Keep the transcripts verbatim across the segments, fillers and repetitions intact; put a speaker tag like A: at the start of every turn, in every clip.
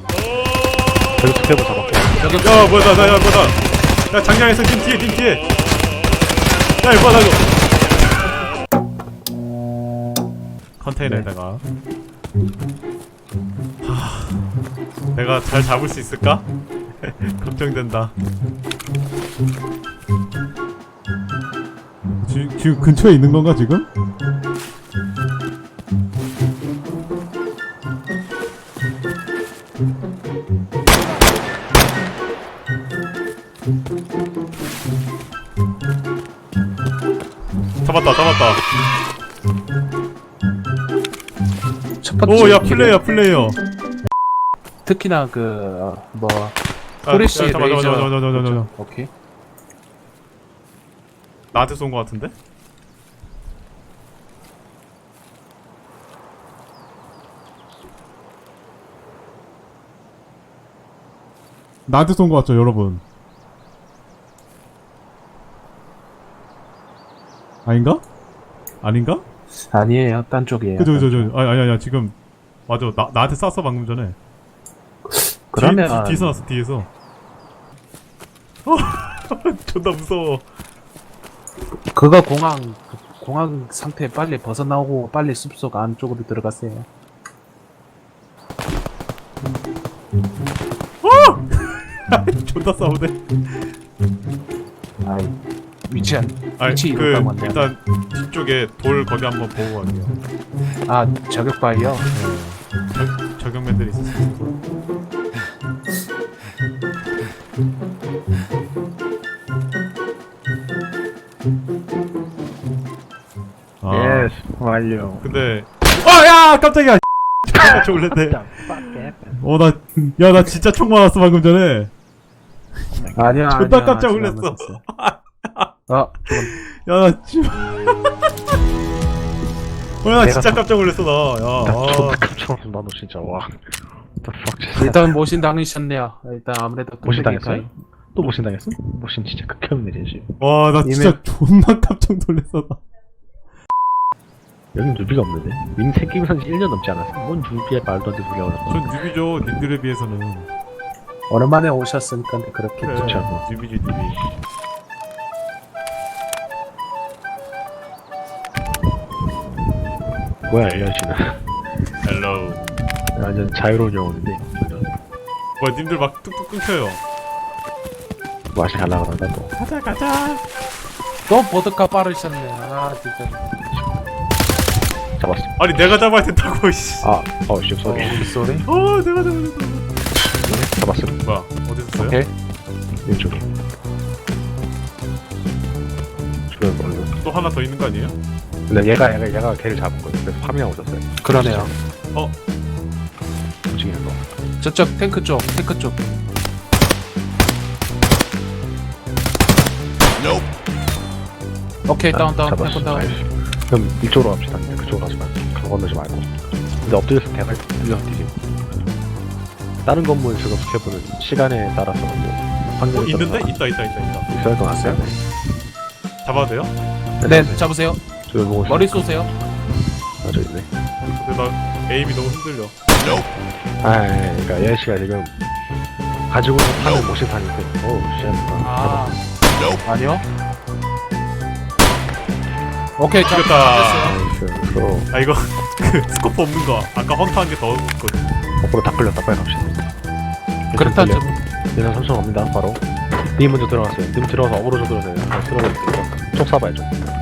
A: 저기 스케브 잡았고.
B: 야 뭐야 나야 뭐야 나. 야 장량에서 님 뒤에 님 뒤에. 야 이거 뭐야 나 이거. 컨테이너에다가. 하... 내가 잘 잡을 수 있을까? 걱정된다.
C: 지, 지금 근처에 있는 건가 지금?
B: 잡았다 잡았다.
D: 첫 번째
B: 오야
D: 기회.
B: 플레이어 플레이어.
D: 특히나 그뭐
B: 아,
D: 프레시
B: 야, 잠깐만,
D: 레이저.
B: 잠깐만, 잠깐만, 잠깐만, 잠깐만.
D: 오케이.
B: 나한테 쏜 거 같은데?
C: 나한테 쏜 거 같죠 여러분? 아닌가? 아닌가?
D: 아니에요, 딴 쪽이에요.
C: 그죠 그죠 그죠. 아니 아니 아니 지금 맞아 나 나한테 쐈어 방금 전에.
D: 그러면
C: 뒤, 뒤, 뒤에서 났어 뒤에서. 어 존나 무서워.
D: 그거 공항 그 공항 상태 빨리 벗어나오고 빨리 숲속 안쪽으로 들어가세요.
B: 존나 싸우네.
D: 아이 위치 안
B: 아니
D: 위치
B: 그
D: 이동감 왔네요.
B: 일단 뒤쪽에 돌 거기 한번 보고 갈게요.
D: 아 저격 바이요.
B: 저, 저격맨들이 있었어. 아
A: 예스 완료.
B: 근데 아야 깜짝이야. 깜짝 놀랐네. 어나 야 나 진짜 총 맞았어 방금 전에.
D: 아니야
B: 존나
D: 아니야,
B: 깜짝
D: 아직 안
B: 놀랐어.
D: 맞았어요. 아
B: 야나 진짜. 어야 나
A: 내가
B: 진짜
A: 더-
B: 깜짝 놀랐어 나.
A: 나 존나
B: 야.
A: 깜짝 놀랐어. 나도 진짜 와. What the fuck just
D: 일단 모신 당하셨네요. 일단 아무래도
A: 모신
D: 끝내기
A: 당했어요?
D: 타임.
A: 또 모신 당했어? 모신 진짜 극혐이네 지금.
B: 와 나 진짜
C: 진짜 존나 깜짝 놀랐어 나.
A: 여긴 누비가 없는데? 님 생기면 한 일 년 넘지 않았어? 뭔 누비야 말도 안 되는 소리가 나서.
B: 전 뉴비죠 님들에 비해서는.
D: 오랜만에 오셨으니까 그렇겠죠.
B: 그래,
A: 좋지 않고.
B: 뉴비지 뉴비.
A: 뭐야 엘리언씨는.
B: 헬로우.
A: 완전 자유로운 영혼인데.
B: 뭐야 님들 막 뚝뚝 끊겨요.
A: 맛이 잘 나가란다 또.
B: 가자 가자.
D: 또 보드카 빠르셨네. 아 진짜.
A: 잡았어.
B: 아니 내가 잡아야 된다고 씨.
A: 아, 어, 씨, 쏘리.
D: 쏘리.
B: 어 내가 잡아야 된다고.
A: 잡았어.
B: 뭐야 어디서 써요?
D: 오케이.
A: 왼쪽에. 주변 걸로.
B: 또 하나 더 있는 거 아니에요?
A: 근데 얘가, 얘가, 얘가 걔를 잡은 거예요. 그래서 파밍하고 있었어요.
D: 그러네요.
A: 움직이는 거.
D: 저쪽 탱크 쪽, 탱크 쪽. 오케이 다운 다운
A: 잡았어.
D: 탱크 다운.
A: 나이스. 그럼 이쪽으로 갑시다. 그쪽으로 가지 말고. 강 건너지 말고. 근데 엎드려서 대갈 뚫려 뒤지. 다른 건물 지금 스케보는 시간에 따라서 뭐
B: 어
A: 환경에
B: 있는데?
A: 따라서
B: 있다 있다 있다 있다.
A: 있어야 것 같아요.
B: 잡아도 돼요?
D: 네 잡으세요.
A: 저기 보고
D: 머리 쏘세요.
A: 아, 저기 있네.
B: 근데 나 에임이 너무 흔들려.
A: 아, 그러니까 예은 씨가 지금 가지고 있는 판을 못 시타니까. 어우, 씨.
D: 아 아니요. 오케이 잡-
B: 죽였다.
D: 잡았어요.
A: 나이스. 서로
B: 아 이거 그 스코프 없는 거 아까 헌터 한 게 더 있거든.
A: 거꾸로 다 끌렸다. 빨리 갑시다.
D: 그렇다 좀.
A: 얘는 삼성 갑니다. 바로. 님 먼저 들어갔어요. 님 들어가서 어그로 좀 들어서요. 쓸어버릴게요. 쪽 쏴봐야죠.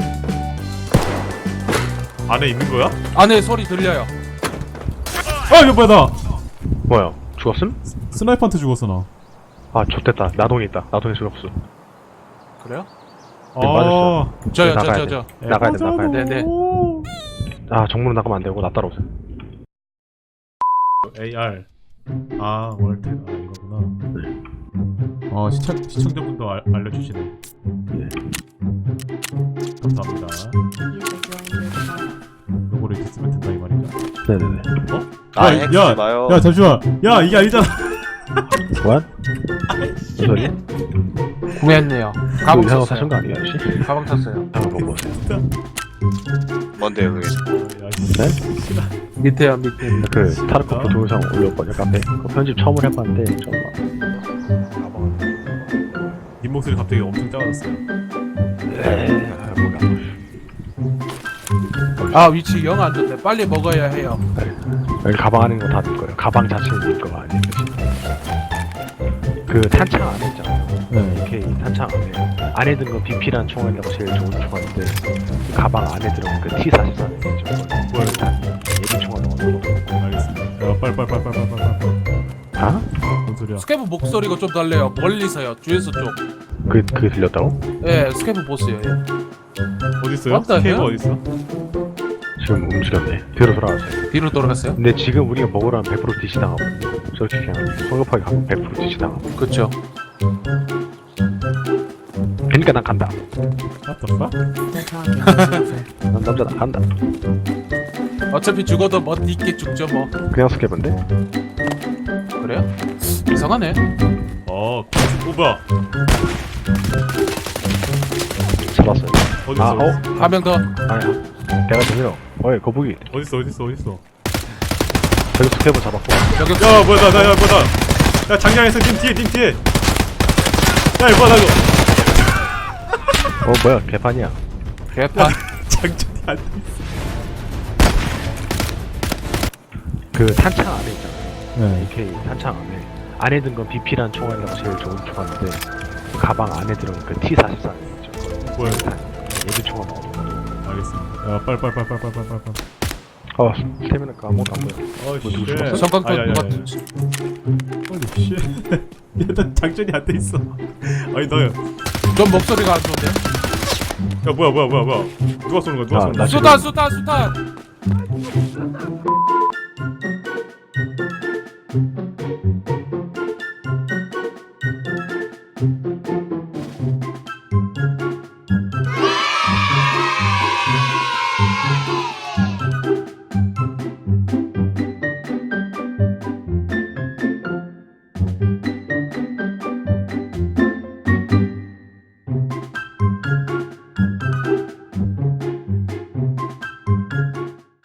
B: 안에 있는 거야?
D: 안에 소리 들려요.
C: 아 이거 뭐야 나
A: 뭐야? 죽었음?
C: 스나이퍼한테 죽었어 나.
A: 아, 좋됐다. 나동에 있다. 나동에 죽었어.
D: 그래요?
A: 네, 맞았어.
D: 저요
A: 나가야
D: 저 저
A: 돼.
D: 저.
A: 나가야 돼, 나가야 돼.
D: 네, 네.
A: 아, 정문으로 나가면 안 되고 나 따라오세요.
B: 에이알. 아 월텍 아 이거구나. 어 시청 시청자분도 알, 알려주시네.
A: 예.
B: 감사합니다. 요거를 이렇게 쓰면 된다 이 말이죠.
A: 네네네.
E: 아,
C: 야,
E: 엑스
C: 야,
E: 나요.
C: 야 잠시만. 야 이게 아니잖아.
A: what? 무슨 소리?
D: 구매했네요. 가방
A: 이상한 사신
D: 샀어요.
A: 거 아니야, 씨?
D: 가방 샀어요.
A: 한번 보고 오세요.
E: 뭔데 그게?
C: 야, 씨.
A: 네?
D: 밑에요 밑에.
A: 그 타르코프 동영상 올렸거든요 카페. 그 편집 처음 해봤는데 좀 막.
C: 님 목소리 갑자기 엄청 작아졌어요.
A: 에이, 뭐야.
D: 아 위치 영 안 좋네. 빨리 먹어야 해요.
A: 여기 가방 안에 있는 거다 넣을 거예요. 가방 자체는 넣을 거가 아니에요. 그 탄창 안에 있잖아요.
B: 네.
A: 이렇게 탄창 안에 안에 든 건 비피란 총알이라고 제일 좋은 총알인데 그 가방 안에 들어간 그 티 사십사
C: 뭐야?
A: 예비 총알 넣어놓은 거.
C: 알겠습니다. 야, 빨리 빨리 빨리 빨리 빨리 빨리.
A: 아?
C: 뭔 소리야?
D: 스케프 목소리가 좀 달래요. 멀리서요. 주에서 쪽.
A: 그 그게 들렸다고?
D: 예, 스케프 보스요. 예.
C: 어디 있어요?
D: 맞다,
C: 스케이브
D: 해요?
C: 어디 있어?
A: 지금 움직였네. 뒤로 돌아가세요.
D: 뒤로 돌아갔어요?
A: 근데 지금 우리가 먹으라면 백 퍼센트 디시 당하거든요. 저렇게 그냥 성급하게 가면 백 퍼센트 디시 당하고.
D: 그쵸.
A: 그러니까 난 간다.
C: What the fuck?
A: 난 남자다 간다.
D: 어차피 죽어도 멋 있게 죽죠 뭐.
A: 그냥 스케브인데?
D: 그래요? 이상하네.
C: 어, 오 뭐야?
A: 잡았어요.
C: 어디
A: 아,
C: 있어?
A: 어?
D: 한 명 더.
A: 아니야. 내가 들려. 어이 거북이.
C: 어디 있어? 어디 있어? 어디 있어?
A: 저기 스케브 잡았고.
D: 저격.
C: 야, 뭐야? 나, 나, 야, 뭐야? 나, 야, 장량에서 님 뒤에, 님 뒤에. 야, 이거 뭐야? 나 이거.
A: 어 뭐야 개판이야.
D: 개판.
C: 장전이 안 돼.
A: 그 탄창 안에 있잖아요.
B: 네.
A: 에이케이 탄창 안에 안에 든 건 비피란 총알이라고 제일 좋은 총알인데 그 가방 안에 들어간 그 티 사십사 있죠.
C: 뭐야?
A: 예비 총알 넣어놓은 거.
C: 알겠습니다. 야, 빨리 빨리 빨리 빨리 빨리 빨리 빨리.
A: 어 스태미나가 아무것도 안 보여.
C: 어,
A: 뭐 누구
C: 씨.
A: 죽었어?
D: 성광도
C: 아니, 아니,
D: 누가
C: 아니. 홀리 씨. 일단 장전이 안 돼 있어. 아니 나, 야
D: 좀 목소리가 안 좋은데.
C: 뭐야 뭐야 뭐야 뭐야. 누가 쏘는 거야? 누가
A: 아,
C: 쏘는
A: 나
C: 거야?
A: 지금-
D: 수탄 수탄 수탄.